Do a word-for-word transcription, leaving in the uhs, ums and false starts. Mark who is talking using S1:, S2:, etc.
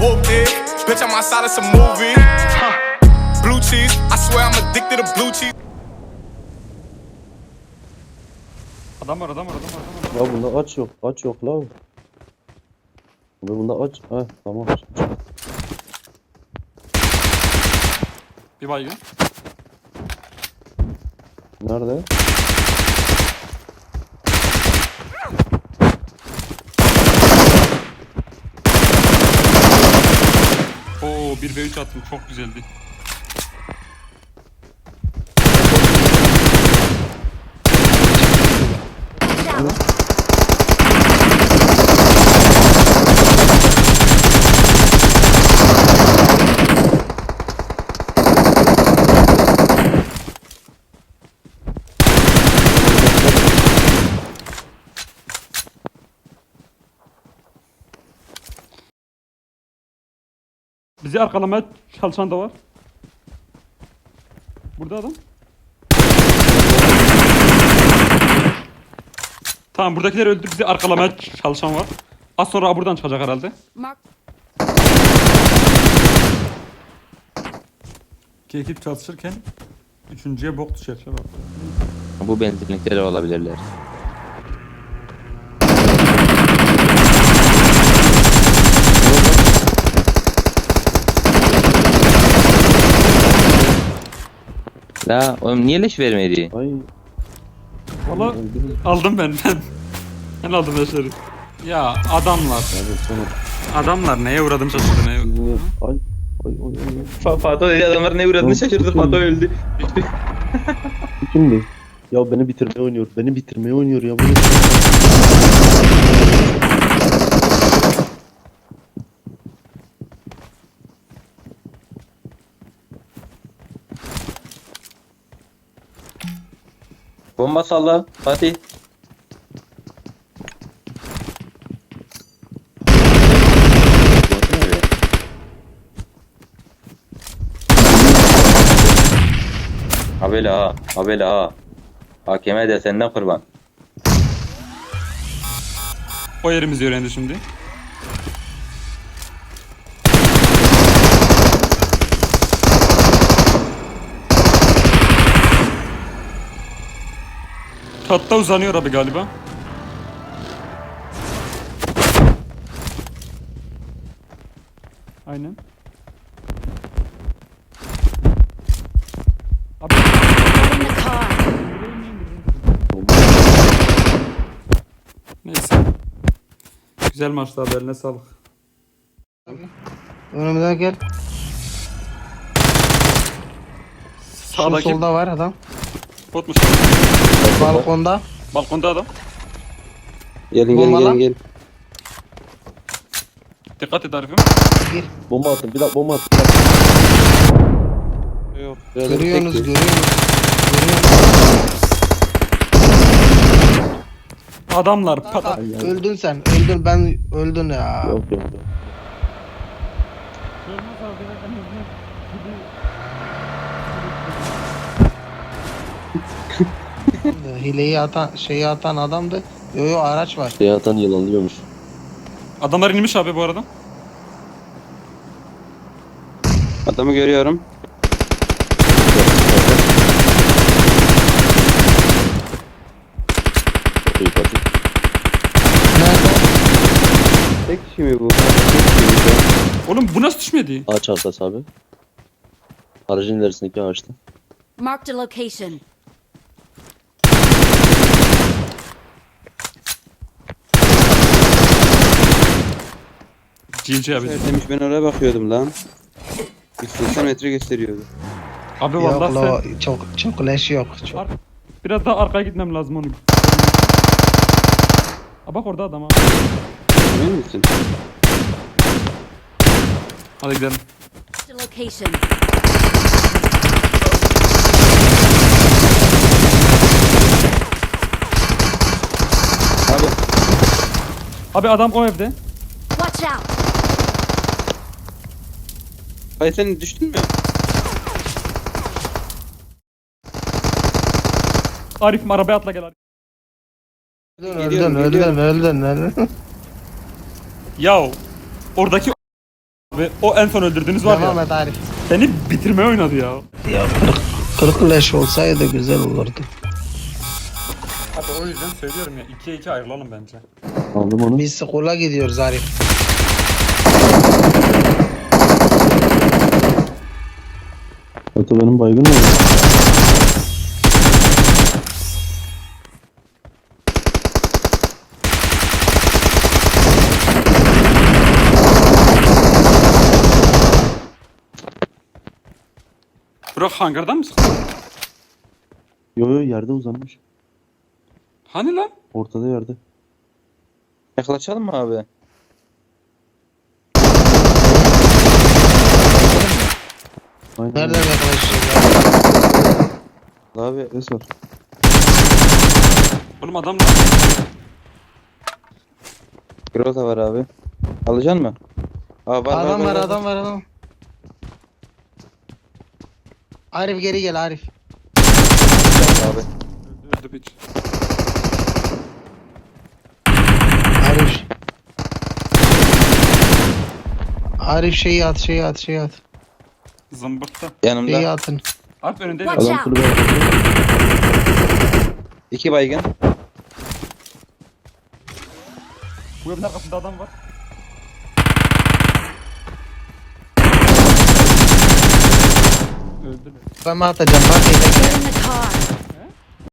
S1: whooped it. Bitch, I'm outside of some movie. Huh. Blue cheese, I swear I'm addicted to blue cheese.
S2: Adam var adam var adam var adam var.
S3: Ya bunda aç yok. Aç yok la. Abi bunda aç. Heh tamam.
S2: Bir baygın.
S3: Nerede?
S2: Oo bir ve üç attım çok güzeldi. Bizi arkalamaya çalışan da var. Burada adam. Tamam buradakiler öldü. Bizi arkalamaya çalışan var. Az sonra buradan çıkacak herhalde.
S4: Mark.
S2: İki ekip çalışırken üçüncüye bok düşer.
S5: Bu benzinlikleri olabilirler. La oğlum niye leş vermedi?
S3: Ay.
S2: Valla
S3: öldürün.
S2: aldım ben ben. Ben aldım leşleri. Ya adamlar.
S3: Hadi sana.
S2: Adamlar neye uğradım şaşırdı neye.
S3: Niye? Ay. Ay ay ay.
S5: Fa Fato dedi adamlar ne uğradığını şaşırdı. Fato öldü.
S3: Bu kimdi? Ya beni bitirmeye oynuyor. Beni bitirmeye oynuyor ya. Bunu...
S5: Bomba salla Fatih. Habele ha, habele ha. Hakeme de senden kurban.
S2: O yerimizi öğrendi şimdi. Katta uzanıyor abi galiba. Aynen. Abi
S4: Get in the car.
S2: neyse. Güzel maçtı abi eline sağlık.
S6: Önümden gel. Şu
S2: Sağdaki
S6: solda var adam.
S2: botmuş.
S6: Balkonda.
S2: Balkonda adam.
S5: Gelin gelin
S6: Bomba
S5: gelin
S6: lan.
S5: gelin.
S2: Dikkat et Arif'im.
S6: Gir.
S3: Bomba attım. Bir dakika bomba attım. Bir dakika.
S5: Yok.
S6: Görüyorsunuz, görüyorsunuz. Görüyorsunuz.
S2: Adamlar pata.
S6: Öldün sen. Öldün ben öldün ya.
S3: Yok yok yok.
S6: Hileyi atan, şeyi atan adamdı. Yo yo araç var.
S3: Şey atan yılanlıyormuş.
S2: Adamlar inmiş abi bu arada.
S5: Adamı görüyorum.
S3: Çok iyi Fatih.
S6: Nerede?
S5: Tek kişi mi bu? Tek kişi mi?
S2: Oğlum bu nasıl düşmedi?
S3: Ağaç arkası abi. Aracın ilerisindeki ağaçta.
S4: Marked a location.
S2: G G abi.
S5: Demiş ben oraya bakıyordum lan. yüz seksen metre gösteriyordu.
S2: Abi
S6: Yok
S2: vallahi
S6: lo
S2: sen...
S6: çok çok leş yok. Çok.
S2: Ar- Biraz daha arkaya gitmem lazım onu. Aa bak orada adam ha.
S5: Emin misin?
S2: Hadi gidelim.
S4: Marked a location.
S5: Abi
S2: Abi adam o evde.
S4: Watch out.
S5: hayır sen düştün mü?
S2: Arif'im arabaya atla gel Arif.
S6: Öldün
S5: Geliyorum,
S6: öldün
S5: geliyorum.
S6: öldün öldün.
S2: Yav. Oradaki Ve o en son öldürdüğünüz var
S6: Devam
S2: ya.
S6: et Arif.
S2: Seni bitirmeye oynadı ya.
S6: Ya kırk, kırk leş olsaydı güzel olurdu.
S2: Abi o yüzden söylüyorum ya. ikiye iki ayrılalım bence.
S3: Aldım onu.
S6: Biz skola gidiyoruz Arif.
S3: Hatta benim baygın mı?
S2: Burak hangardan mı sıktın?
S3: Yo yo yerde uzanmış.
S2: Hani lan?
S3: Ortada yerde.
S5: Yaklaşalım mı abi?
S3: Aynen.
S6: Nereden yaklaşacağız ya?
S5: Abi
S3: Ses var.
S2: Oğlum adam lan.
S5: Grota var abi. Alacaksın mı? Aa, var,
S6: Adam var,
S5: var,
S6: adam var, adam. Arif geri gel Arif.
S5: Abi.
S2: Öldü piç.
S6: Arif. Arif şeyi at, şeyi at, şeyi at.
S2: Zımbırtta.
S5: Yanımda.
S6: Şeyi atın.
S2: Alp önünde
S4: Watch
S3: Adam
S4: out.
S3: kulübe yapıyor.
S5: İki baygın.
S2: Bu evin arkasında adam var. Öldü mü?
S6: Ben mi atacağım? Bak
S4: Get
S6: bekle.
S4: in the car.